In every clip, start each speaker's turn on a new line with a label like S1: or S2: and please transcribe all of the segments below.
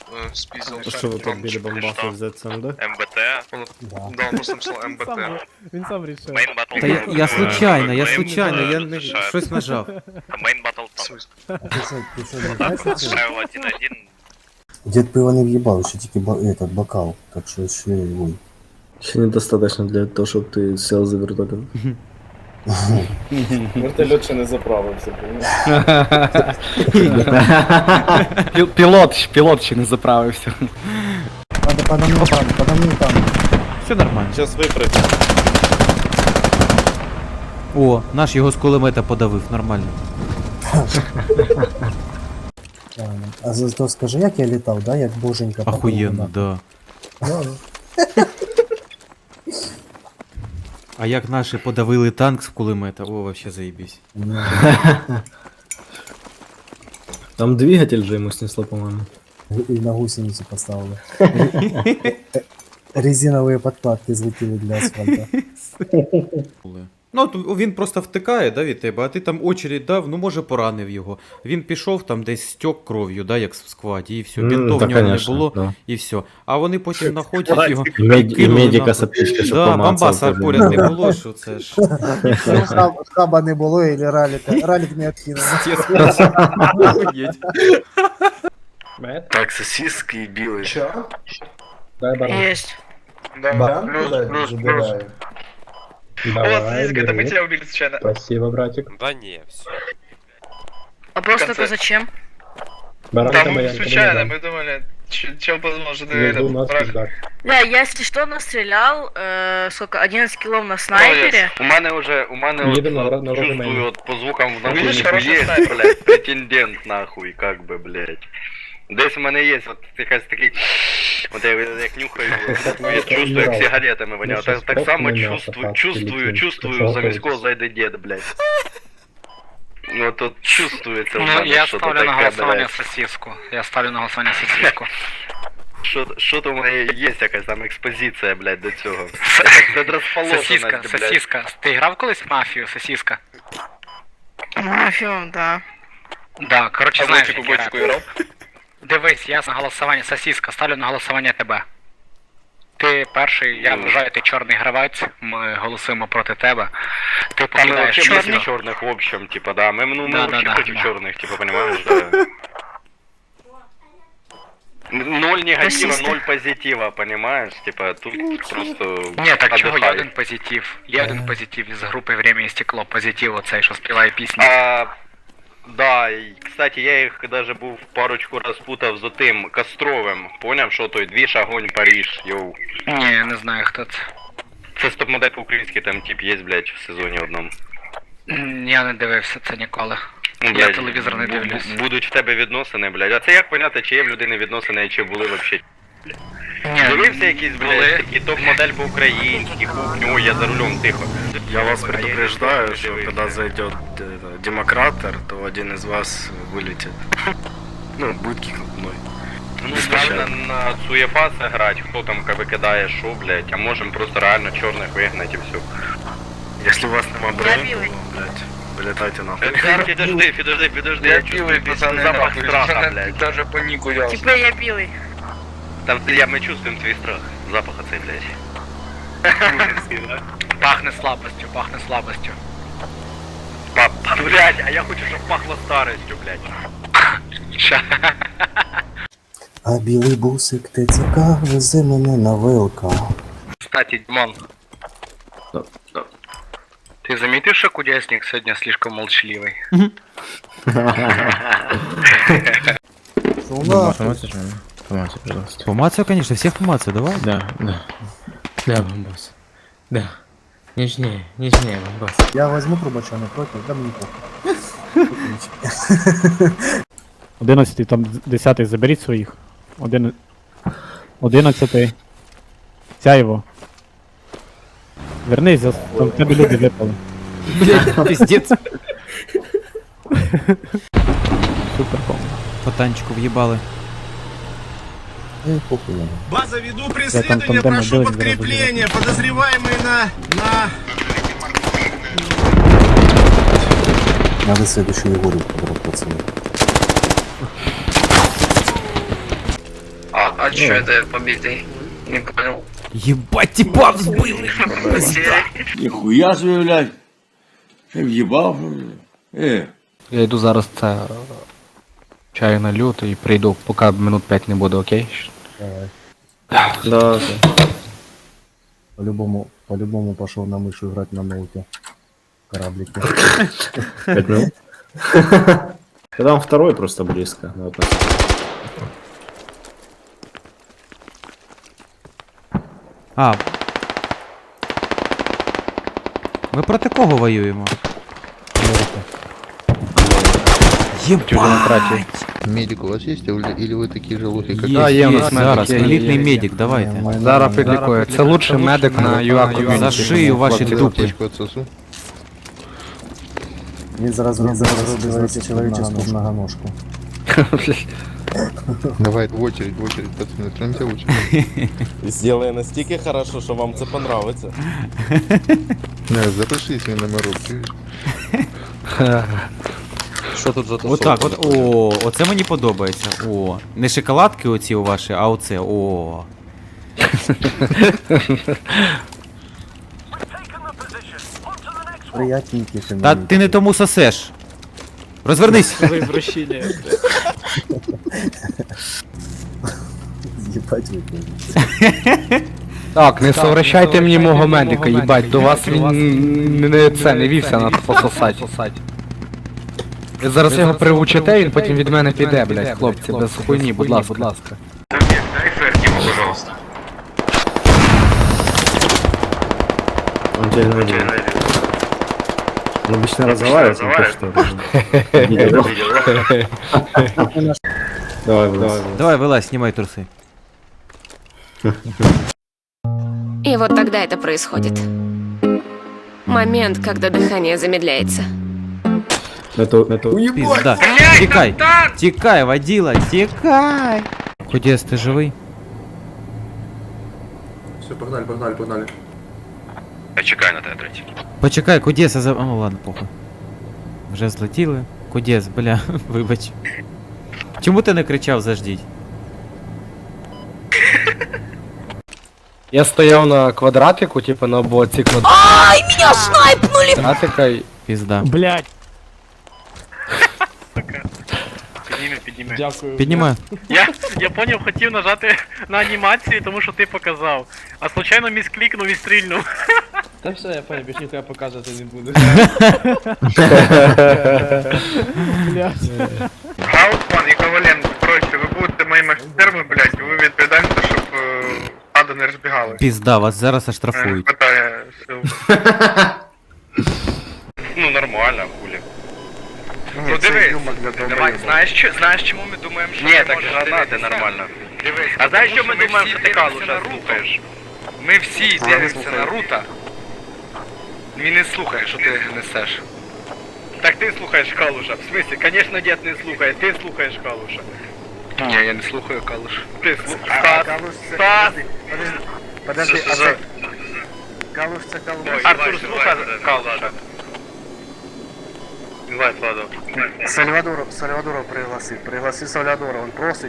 S1: спиздил.
S2: Що ви тут біля бомбаха в ЗЦМД?
S3: МБТ.
S1: Да, он просто написал МБТ.
S4: Він сам рішив.
S3: Мейн батл.
S5: Та я случайно, я не щось нажав.
S3: Мейн батл
S1: В
S3: там.
S1: смысле?
S6: Ти що, не знаєш, що це?
S3: Шайл 1-1.
S6: Дід пиво не в'їбав, ще тільки этот бокал, так що ще ой.
S2: Ще недостаточно для того, щоб ти сел за вертолетом.
S7: Вертольот ще не заправився, понял?
S8: Пілот ще не заправився.
S6: Подо мною там.
S5: Все нормально.
S7: Зараз випрацює.
S5: О, наш його з кулемета подавив, нормально.
S6: Правильно. А то скажи, як я літав, да? Як боженька. по
S5: Охуєнно,
S6: кругу,
S5: да.
S6: да?
S5: А як наші подавили танк з кулемета, о, вообще заебись.
S6: Ну,
S2: Там двигатель же ему снесло, по-моему.
S6: і на гусеницю поставили. Резинові подкладки злетіли для асфальту.
S5: Ну, він просто втикає, да, від тебе, а ти там очередь дав, ну, може, поранив його. Він пішов там десь стьок кров'ю, да, як в складі, і все. Бінтов в нього не було,
S2: да.
S5: і все. А вони потім знаходять його.
S2: І
S5: кинули
S2: медика
S5: нахуй.
S2: з аптечки, щоб
S5: Да,
S2: помацав.
S5: бамбаса поряд не було, що це ж.
S6: Хаба не було, і раліка. Ралік не откинув.
S5: Охуєть.
S1: Так, сосиски и белые.
S7: Чо? Дай баран.
S9: Есть.
S1: Да, плюс.
S7: Давай,
S3: сосиска, это мы
S7: бери.
S3: тебя убили случайно.
S7: Спасибо, братик.
S3: Да не, все.
S9: Вопрос
S3: В конце.
S9: только зачем?
S7: Баран
S3: Да
S7: это моя
S3: мы случайно, мы думали, чел возможно,
S7: Между нас
S3: правильно.
S7: пизда.
S9: Да, я, если что, настрелял, сколько, 11 килов на снайпере.
S3: У мене уже
S7: Їдемо на вроде
S3: чувствую
S7: мене.
S3: вот по звукам в
S1: Видишь,
S3: наушнику
S1: хороший
S3: есть,
S1: снайпер.
S3: блядь, претендент нахуй, как бы, блядь. Десь в мене є от якась такий, от я як нюхаю, я чувствую, як сигаретами воняє. Так само чувствую, замість кого зайде дід, блядь. Ну тут чувствується в
S8: Ну,
S3: мене,
S8: я
S3: що
S8: ставлю
S3: то
S8: на
S3: таке,
S8: голосування
S3: блядь.
S8: сосиску. Я ставлю на голосування сосиску.
S3: Що то в мене є якась там експозиція, блядь, до цього. Предрозположеність,
S8: Сосиска,
S3: блядь.
S8: сосиска. Ти грав колись в мафію, сосиска?
S9: Мафию, да.
S8: Да, коротше,
S3: А
S8: знаєш,
S3: бочку
S8: як
S3: бочку
S8: грати.
S3: грав?
S8: Дивись, я на голосування сосиска, ставлю на голосування тебе. Ти перший, я вважаю, ти чорний гравець, ми голосуємо проти тебе. Ти
S3: Там мы
S8: покидаєш
S3: вообще
S8: чорний.
S3: против черных в общем, типа, да. Мы, ну, мы
S8: Да,
S3: вообще
S8: да,
S3: против
S8: да.
S3: черных, типа, понимаешь, да. Ноль негатива,
S9: Расисты.
S3: ноль позитива, понимаешь? Типа, тут просто
S8: Ні, так чого, є
S3: отдыхай.
S8: один позитив. Є один позитив із групи «Время і стекло». Позитив оцей, що співає пісню.
S3: Да, и, кстати, я их даже був парочку раз путав з отим Костровим. Поняв, що той двіж, огонь, Париж, йоу.
S8: Ні, не знаю, хто це.
S3: Це стоп-модель по-українськи, там тип є, блядь, в сезоні одному.
S8: Я не дивився це ніколи.
S3: Ну,
S8: Я телевізор не дивлюсь.
S3: Будуть в тебе відносини, блядь. А це як поняти, чи є в людини відносини, чи були вообще?
S8: Ні,
S3: Дивився якийсь,
S8: були.
S3: блядь, такий топ-модель по-українськи, кухню, ой, я за рулем, тихо.
S1: Я вас предупреждаю, что когда зайдет демократор, то один из вас вылетит. Ну, будет кикнут мной.
S3: Ну, правильно на Цуєфаса грати, хто там викидає що, блядь, а можем просто реально чорних вигнати і все.
S1: Если у вас нема брони,
S9: белый.
S1: то, блядь, вылетайте нахуй.
S3: Підожди, я чувствую запах страха, блядь.
S7: Даже по нику я.
S9: Типа я белый.
S3: Там, мы чувствуем твій страх, запах оцей, блядь.
S8: Пахне слабостю, пахне слабостю.
S3: Блядь, а я хочу, щоб пахло старостю, блядь.
S6: А білий бусик ТЦК везе мене на ВЛК.
S8: Кстати, Димон. Ты заметил, что кудесник сегодня слишком молчаливый?
S6: Що у нас?
S2: Помацай, пожалуйста.
S5: Помацаю, конечно, всех помацаю, давай.
S2: Да, да. Да, бомбас. Да. Нежнее, бомбас.
S6: Я возьму трубача, не проти, да мені похуй.
S4: 11, там 10 заберіть своїх. 11. Сяєво. Вернись, там в тебе люди випали.
S5: Блядь, пиздец.
S4: Супер,
S5: По танчику в'їбали.
S6: Ей, похуй.
S10: База, веду
S4: там
S10: преследование,
S4: тандем
S10: прошу
S4: отделать
S10: подкрепление. Подозреваемый на...
S6: Надо следующую Егору подрать, пацаны.
S8: А чё это побитый? Не понял.
S5: Єбать, тіпа взбили!
S10: Ніхуя собі, блядь. Ти в'їбав, блядь.
S8: Я йду зараз це чаю налью і прийду, поки минут 5 не буде, окей?
S6: Давай.
S2: Да.
S6: По-любому пошел на мышу играть на ноуте. Кораблики.
S2: 5 минут. Да там второй просто близко. Ну, вот,
S5: А. Ми проти кого воюємо? Єбать!
S11: Медик у вас есть, или вы такие же лохи, как
S5: Є, є, зараз, елітний медик, давайте.
S8: Зараз підлікую. Це лучший медик на UA
S5: За
S8: ком'юніті.
S5: шию ваші дупи.
S11: аптечку отсосу?
S6: Він зараз робить человеческую многоножку.
S11: Давай, в очередь, пацаны, троньте в очередь.
S10: Сделай настільки хорошо, що вам це понравиться.
S11: Не, запишись мне на морок, чуєш?
S10: Що тут за
S5: Отак, от, о, оце мені подобається. О, не шоколадки оці у ваші, а оце, о.
S6: Приятненький
S5: Та ти не тому сосеш. Розвернись.
S6: Ебать вы.
S8: Так, не совращайте мені мого медика, їбать, до вас він не вівся на пососать. Ви зараз його приучите, він потім від мене піде, блядь, хлопці, без хуйні, будь ласка.
S2: он тебя не видел. Он обычно разговаривает, он то что. Давай, давай.
S5: Давай, вилазь, знімай труси.
S9: И вот тогда это происходит. Момент, когда дыхание замедляется.
S2: Это...
S5: Пізда. Тікай, тікай, водила, тікай. Ходіс, ти живий?
S10: Все, погнали.
S3: Я чекаю на тебе, третій.
S5: Почекай, Кудєса за... О, ладно, похуй. Вже злетіли. Кудєс, бля, вибач. Чому ти не кричав заждіть?
S8: Я стояв на квадратику, типу на боці
S9: Ай, меня снайпнули!
S8: квадратика і...
S5: Пізда.
S4: Блять!
S7: Дякую.
S5: Піднімаю.
S7: Я поняв, хотів нажати на анімацію, тому що ти показав. А случайно місклікнув і стрільнув. Та все, я поняв, більше ніхто показувати не буду.
S3: Гаутман і Коваленко, коротше, ви будете моїми офіцерами, блядь, ви відповідаєте, щоб ада не розбігали.
S5: Пізда, вас зараз оштрафують.
S3: Хватає сил. Ну, нормально, хулі. Ну дивись, знаєш чому ми думаємо, що... Ні, так гранати нормально. Дивись, а знаєш, що ми думаємо, що ти Калуша слухаєш? Ми всі дивимося на Рута. Він не слухає, що ти несеш. Так ти слухаєш Калуша. В смысле, конечно, дед не слухає, ти слухаєш Калуша. Ні, я не слухаю Калуша. Ти слухаєш. Стас! Подожди, а це... Калуш це Калуш. Артур слухає Калуша. Давай, Владо.
S6: Сальвадора пригласи Сальвадора, он просить.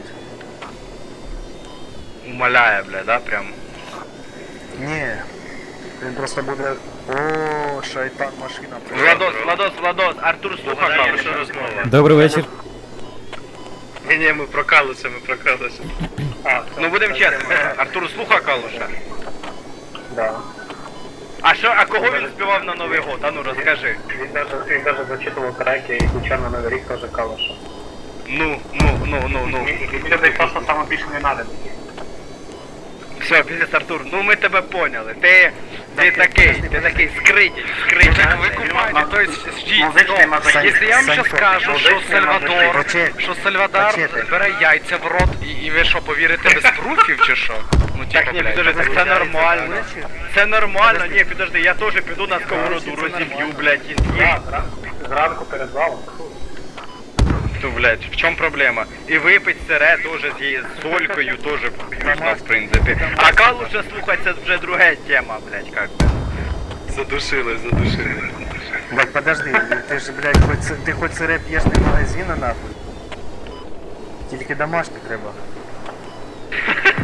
S3: Умоляє, бля, да, прям.
S6: Не, він просто буде... О, шайтан машина.
S3: Владос, Артур слуха Калуша.
S5: Добрий вечір.
S3: Ні, ми прокалися. Ну будемо чесно, Артур слуха Калуша?
S6: Да.
S3: А кого він співав на Новий год? А ну розкажи.
S6: Він даже зачитував треки і ключа на Новий рік теж Калуша.
S3: Ну.
S6: Це просто саме більше не надо.
S3: Все, пиздец, Артур, ну ми тебе поняли. Ти такий скритий. Ви купаєте, то есть ждіть. Якщо я вам зараз скажу, що Сальвадор бере яйця в рот, і ви що, повірите без пруфів чи що? Ну так, ні, підожди, так це нормально. Це нормально, ні, підожди, я теж піду на сковороду, розіб'ю, блядь, і з'їм.
S6: Зранку перед залом.
S3: Ну, блядь, в чому проблема? І випить сире теж з солькою теж вкусно, в принципі. А Калуша слухать, це вже друга тема, блядь, как би. Задушили.
S6: Блядь, подожди, ти ж, блядь, ти хоч сире п'єш не магазина, нахуй. Тільки домашні треба.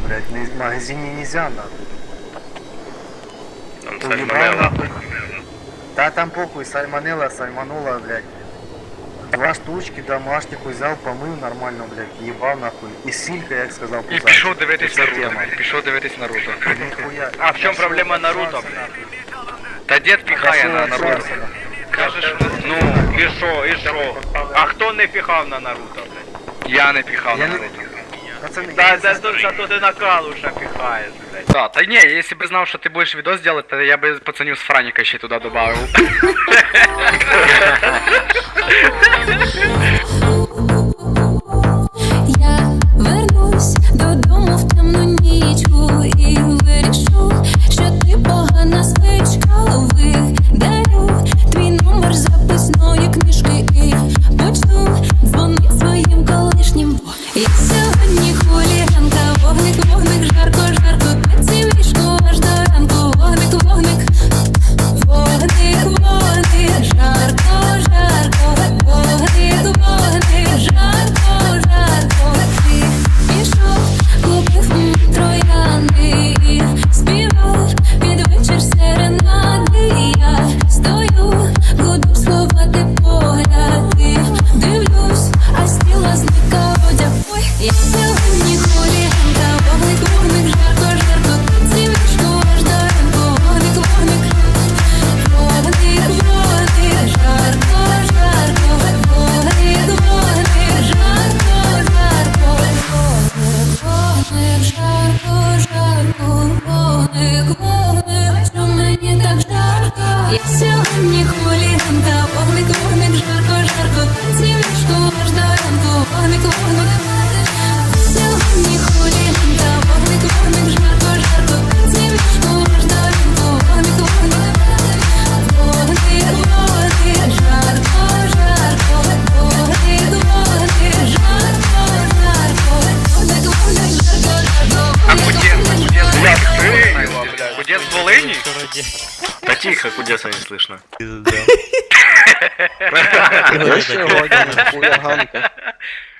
S6: блядь, в магазине нельзя, нахуй.
S1: Там
S6: Уебал,
S1: сальмонелла.
S6: нахуй. Да там похуй, сальмонелла, сальманула, блядь. 2 штучки домашних взял, помыл нормально, блядь, ебал нахуй. И силька, як сказал,
S8: І пішов дивитись Наруто. Пішов дивитись Наруто.
S6: Нихуя.
S3: А в чому проблема Наруто, блядь? Та дід піхає на Наруто. Кажеш, ну, і що, і що? А хто не піхав на Наруто, блядь?
S8: Я не піхав
S6: Я
S8: на
S6: не-
S8: Наруто.
S6: Пацаны,
S3: Та
S6: я не
S3: це
S6: знаю,
S3: тут, що ти на калуша піхаєш, блядь.
S8: Да, та ні, якщо б знав, що ти будеш відос делать, то я би пацанів з Франіка ще туди добавив.
S12: Я вернусь додому в темну нічку і вирішу, що ти погана звичка. Видалю твій номер записної книжки і почну дзвонить своїм колишнім. Я сьогодні хуліганка, вогник, вогник, жарко, жарко, пеці в ліжку аж до ранку, вогник, вогник, вогник, вогник, жарко, жарко, вогник, вогник, жарко, жарко. Ти пішов, купив троянди і співав під вечір серенади. Я стою, буду сховати погляди, дивлюсь, а з тіла зникав одяг. Ой, я сьогодні хуліганка, вогник, вогник, жарко, жарко, пеці в ліжку аж до ранку, вогник, вогник, вогник, вогник, жарко, жарко, вогник, вогник, жарко, жарко, вогник, вогник, жарко, жарко, вогник, вогник, що мені так жарко. Я сьогодні хуліганка, вогник, вогник, жарко, жарко, пеці в ліжку аж до ранку, вогник, вогник. Сьогодні хуліганка, вогник, вогник, жарко, жарко, пеці в ліжку аж до ранку, вогник, вогник. Вогник, вогник, жарко, жарко, вогник, вогник, жарко, жарко, вогник, вогник, жарко, жарко.
S8: А Кудєс з Волині?
S1: Да тихо, кудеса не слышно.
S10: Я ще годин, хуяганка.